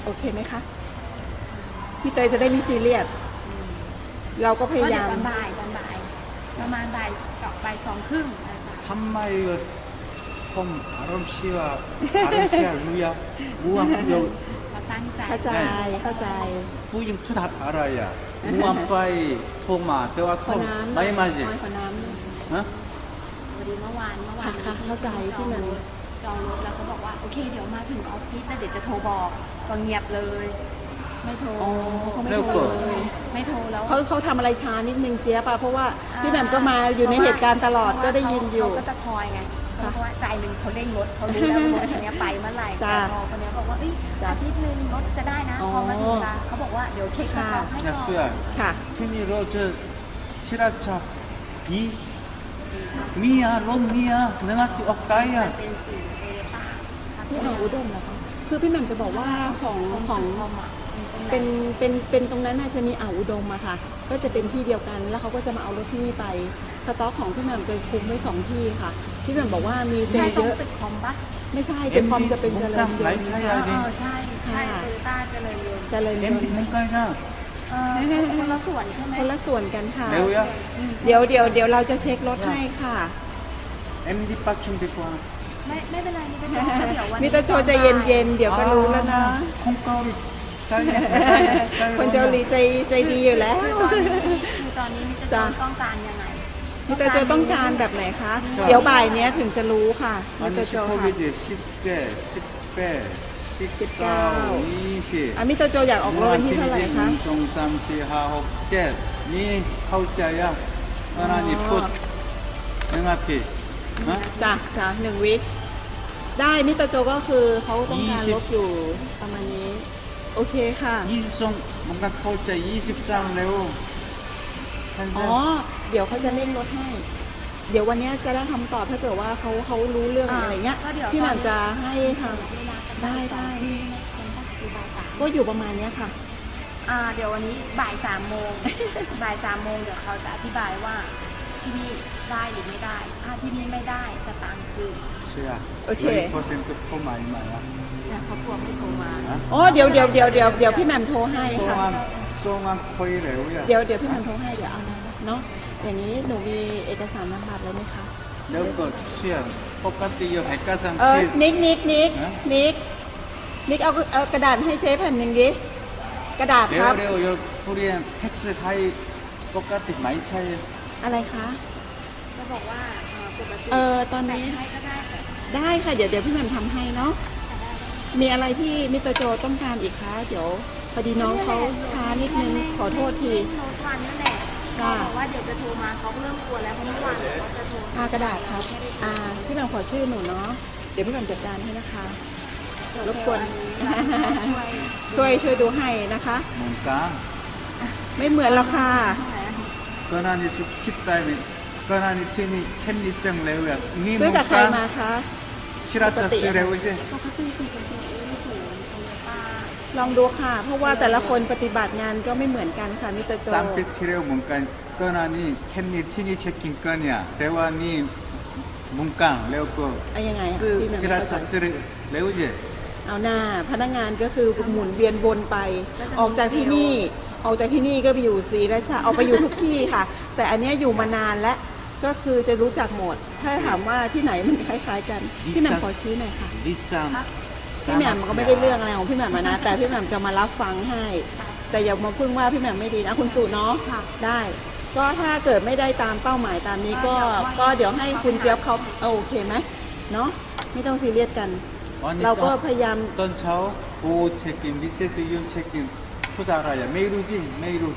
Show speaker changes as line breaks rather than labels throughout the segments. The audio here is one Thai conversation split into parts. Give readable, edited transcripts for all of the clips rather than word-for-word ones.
เคไหมคะพี่เตยจะได้มีซีเรียสเราก็พยายาม
ตอนบ่ายประมาณบ่ายสองครึ่ง
ทำไมผมอารมณ์เสียรู้ยังรู้ว่า
เขาตั้งใจ
เข้าใจ
ผู้หญิงพูดอะไรรู้ว่าไปโทรมาแต่ว่าเขาไม่มาจริงฮะ
พอดีเมื่อวาน
เข้าใจพี่แหม่ม
จองรถแล้วเขาบอกว่าโอเคเดี๋ยวมาถึงออฟฟิศแล้วเดี๋ยวจะโทรบอกก็เงียบเลยไม่โทร
เขาไม่โทรเลย
ไม่โทรแล้ว
เขาทำอะไรช้านิดนึงเจี๊ยบเพราะว่าพี่แหม่มก็มาอยู่ในเหตุการณ์ตลอดก็ได้ยินอยู่
เขาก็จะคอยไงเพราะว่าใจหนึ่งเขาเร่งรถเขารู้แล้วรถคันนี้ไปเมื่อไหร่แต่พอคนนี้บอกว่าอาทิตย์นึงรถจะได้นะพอมาถึงเวลาเขาบอกว่าเดี๋ยวเช็คสต็อกให้ก่อน
ค่ะ
ที่นี่เราจะชิราชาบีมีรถมีเนื้อที่ออกไก
เป็นสีโตโยต้า
ที่อุดมนะคะคือพี่แหม่มจะบอกว่าของเป็นตรงนั้นน่าจะมีอุดมอะค่ะก็จะเป็นที่เดียวกันแล้วเขาก็จะมาเอารถที่นี่ไปสต็อกของพี่แหม่มจะคุมไว้2ที่ค่ะพี่แหม่มบอกว่ามีเซลล์เยอะ
ตึกคอมปะ
ไม่ใช่ตึกคอมจะเป็นเจริญยนต์
ใช่โตโยต้าเจริญยนต์คนละส่วนใช่ไหม
คนละส่วนกันค่ะเดี๋ยวเราจะเช็ครถให้ค่ะ
MD parkingดีกว่า
ไม่เป็นไร
มิตรโจใจเย็นๆเดี๋ยวก็รู้แล้วนะ
คนเกาหลี
คนเกาหลีใจดีอยู่แล้ว
คือตอนนี้มิตรโจต้องการยังไง
มิตรโจต้องการแบบไหนคะเดี๋ยวบ่ายนี้ถึงจะรู้ค่ะมิตรโจค่ะ
19
มิตรโจอยากออกรถวันที่เท่าไหร่คะ
1 2 3 4 5 6 7นี่เข้าใจอ่ะนานี่พูด1 อาทิตย์
จ้ะ1 วีคได้มิตรโจก็คือเขาต้องการรถอยู่ประมาณนี้โอเคค่ะ
22มันก็เข้าใจ23เร็ว
เดี๋ยวเขาจะเร่งรถให้เดี๋ยววันนี้จะได้คำตอบถ้าเกิดว่าเขารู้เรื่องอะไรเงี้ยพี่แหม่มจะให้ทำได้ก็อยู่ประมาณนี้ค่ะ
เดี๋ยววันนี้บ่าย3 โมงเดี๋ยวเขาจะอธิบายว่าที่นี่ได้หรือไม่ได้ถ้าที่นี่ไม่ได้สตางค์คืน
โอเค
เขาหมาย
เขากลัวไม่โทรมา
เดี๋ยวพี่แหม่มโทรให้ค่ะเดี๋ยวพี่แหม่มโทรให้เดี๋ยวเอาเนาะอย่างนี้หนูมีเอกสารนามบัตรแล้วไหมคะ
แล้วก็เชื่อปกติอยู่เอกสาร
นิกเอากระดาษให้เจ๊แผ่นหนึ่งดิกระดาษครับ
เร็วผู้เรียนแท็กซี่ไทยปกติไม่ใช่
อะไรคะ
ก็บอกว่าปกติ
ตอนนี้ได้ค่ะเดี๋ยวพี่แหม่มทำให้เนาะมีอะไรที่มิสเตอร์โจต้องการอีกคะเดี๋ยวพอดีน้องเขาช้านิดนึงขอโทษที
โน้ตวันนั่นแหละบอกว่าเดี๋ยวจะโทรมาเขาเริ่มกลัวแล้วเพราะเมื่อวานเขาจะโทร
กระดาษครับพี่แหม่มขอชื่อหนูเนาะเดี๋ยวพี่แหม่มจัดการให้นะคะรบกวนช่วยดูให้นะคะ
เหมือนกัน
ไม่เหมือนหรอกค่ะ
ก็น่าจะสุดคิดใจไหมก็น่าจะที่นี่แค่นี้จังเลยแบบ
นี่ซื้อกับใครมาคะ
ชิราจะซื้อเร็วใช่
ปกติซื้อจะซื้อสูง
ลองดูค่ะเพราะว่าแต่ละคนปฏิบัติงานก็ไม่เหมือนกันค่ะมิสเตอร์โจ
3 ปีที่แล้วเหมือนกันก็น่านี่แค่นี้ที่นี่เช็คกิ้งกันเนี่ยแต่ว่านี่มุงกังแล้วก็
ยังไง
ซื้อชิราจะซื้อเร็วใช่
เอาหน้าพนักงานก็คือหมุนเวียนวนไปออกจากที่นี่ก็ไปอยู่ศรีราชาออกไปอยู่ทุกที่ค่ะแต่อันนี้อยู่มานานและก็คือจะรู้จักหมดถ้าถามว่าที่ไหนมันคล้ายๆกันพี่แหม่มขอชี้หน่อยค่ะพี่แหม่มก็ไม่ได้เรื่องอะไรของพี่แหม่มนะแต่พี่แหม่มจะมารับฟังให้แต่อย่ามาพึ่งว่าพี่แหม่มไม่ดีนะคุณสุเนาะได้ก็ถ้าเกิดไม่ได้ตามเป้าหมายตามนี้ก็เดี๋ยวให้คุณเจี๊ยบเขาโอเคไหมเนาะไม่ต้องซีเรียสกันเราก็พยายาม
ตอนเช้าโอเช็คอินวิเศษยูนเช็คอินทุกอะไรไม่รู้จริงไม่รู้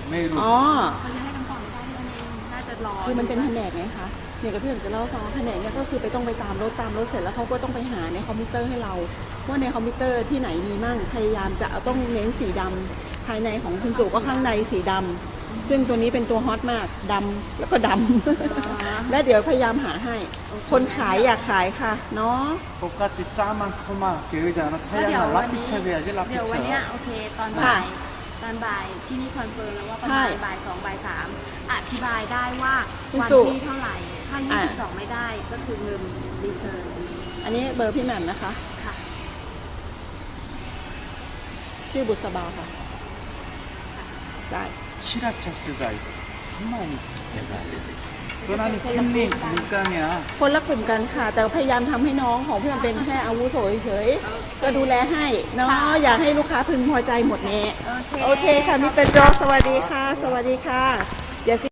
คือมันเป็นแผนกไงคะเนี่ยกับพี่ผมจะเล่าฟังว่าแผนกเนี่ยก็คือต้องไปตามรถเสร็จแล้วเขาก็ต้องไปหาในคอมพิวเตอร์ให้เราว่าในคอมพิวเตอร์ที่ไหนมีมั่งพยายามจะต้องเน้นสีดำภายในของคุณสุก็ข้างในสีดำซึ่งตัวนี้เป็นตัวฮอตมากดำแล้วก็ดำและเดี๋ยวพยายามหาให้คนขายอยากขายค่ะเนาะ
ปกติ3 เข้ามาเจอจะนะถ้าอย่างรับผิดชอบ
เดี๋ยววันนี้โอเคตอนบ่ายที่นี่คอนเฟิร์มแล้วว่าประมาณบ่าย 2 บ่าย 3อธิบายได้ว่าวันที่เท่าไหร่ถ้า22ไม่ได้ก็คือเงินรีเทิร์น
อันนี้เบอร์พี่แหม่มนะคะ
ค่ะ
ชื่อบุษบาค่ะ ได้
ชิราชสไดทำไมตัวนั้นแค่นี้เหมือนกันเนี่ย
คนละกลุ่มกันค่ะ แต่พยายามทำให้น้องของเพื่อนเป็นแค่อาวุโสเฉยๆก็ดูแลให้เนาะอยากให้ลูกค้าพึงพอใจหมดแน่โอเคค่ะมิสเตอร์โจ๊กสวัสดีค่ะ สวัสดีค่ะอย่า